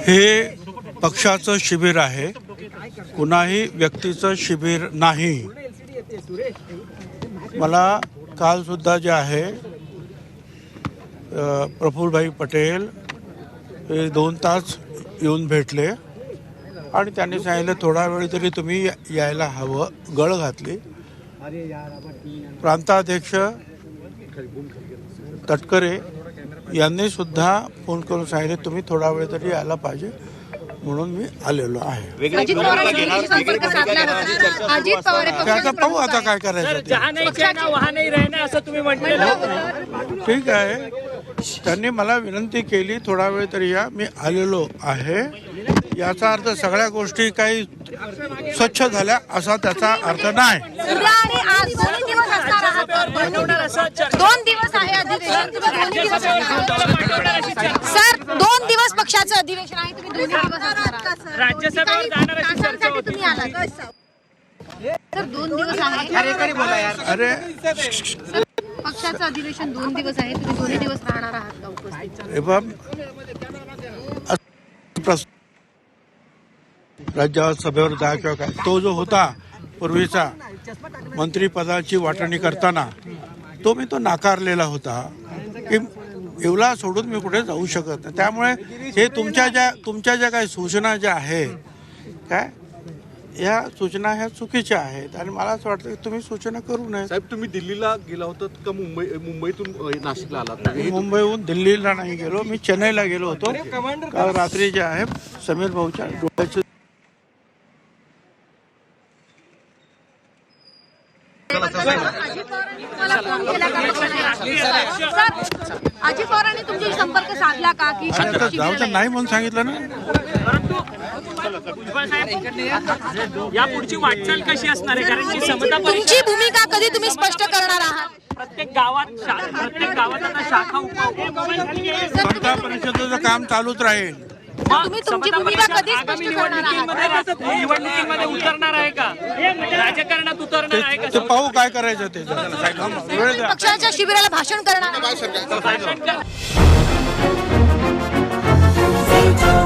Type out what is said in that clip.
हे पक्षाचं शिबिर आहे, कुणाही व्यक्तीचं शिबिर नाही। मला काल सुद्धा जे आहे प्रफुल्लभाई पटेल हे 2 तास येऊन भेटले आणि त्यांनी सांगितलं थोडा वेळ तरी तुम्ही यायला हवं, गळ घातली। प्रांताध्यक्ष तटकरे यांनी सुद्धा फोन करून सांगितले तुम्ही थोडा वेळ तरी यायला पाहिजे, म्हणून मी आलेलो आहे। त्याचा पाहू आता काय करायचं। ठीक आहे, त्यांनी मला विनंती केली थोडा वेळ तरी या, मी आलेलो आहे। याचा अर्थ सगळ्या गोष्टी काही स्वच्छ झाल्या असा त्याचा अर्थ नाही। 2 दिवस आहे अधिवेशन, सर 2 दिवस पक्षाचं अधिवेशन आहे, तुम्ही 2 दिवस असणार राज्यसभेवर जाणार अशी चर्चा होती। तुम्ही आलात सर 2 दिवस आहे, अरे बोला यार, अरे पक्षाचं अधिवेशन 2 दिवस आहे, तुम्ही 2 दिवस राहणार आहात का उपस्थित? राज्यसभेवर जा किंवा काय, तो जो होता पूर्वीचा मंत्रिपदाची वाटणी करताना तो मी नाकारलेला होता की एवढा सोडून मी कुठे जाऊ शकत नाही। त्यामुळे हे तुमच्या ज्या काही सूचना ज्या आहेत काय, या सूचना ह्या चुकीच्या आहेत आणि मला असं वाटतं की तुम्ही सूचना करू नये। साहेब तुम्ही दिल्लीला गेला होतात का मुंबईतून नाशिकला आलात? मुंबईहून दिल्लीला नाही गेलो, मी चेन्नईला गेलो होतो। काल रात्री जे आहे समीर भाऊच्या डोळ्याचे अजित पवारांनी तुमच्याशी संपर्क साधला का की जाऊचं नाही म्हणून सांगितलं ना। या पुढची वाटचाल कशी असणार आहे, कारण की समता तुमची भूमिका कधी तुम्ही स्पष्ट करणार आहात? प्रत्येक गावात आता शाखा स्पर्धा परिषदेचं काम चालूच राहील। तुम्ही तुमची भूमिका कधी स्पष्ट करणार आहात? निवडणुकीमध्ये उतरणार आहे का, राजकारणात उतरणार आहे का? ते पाहू काय करायचं ते। पक्षाच्या शिबिराला भाषण करणार?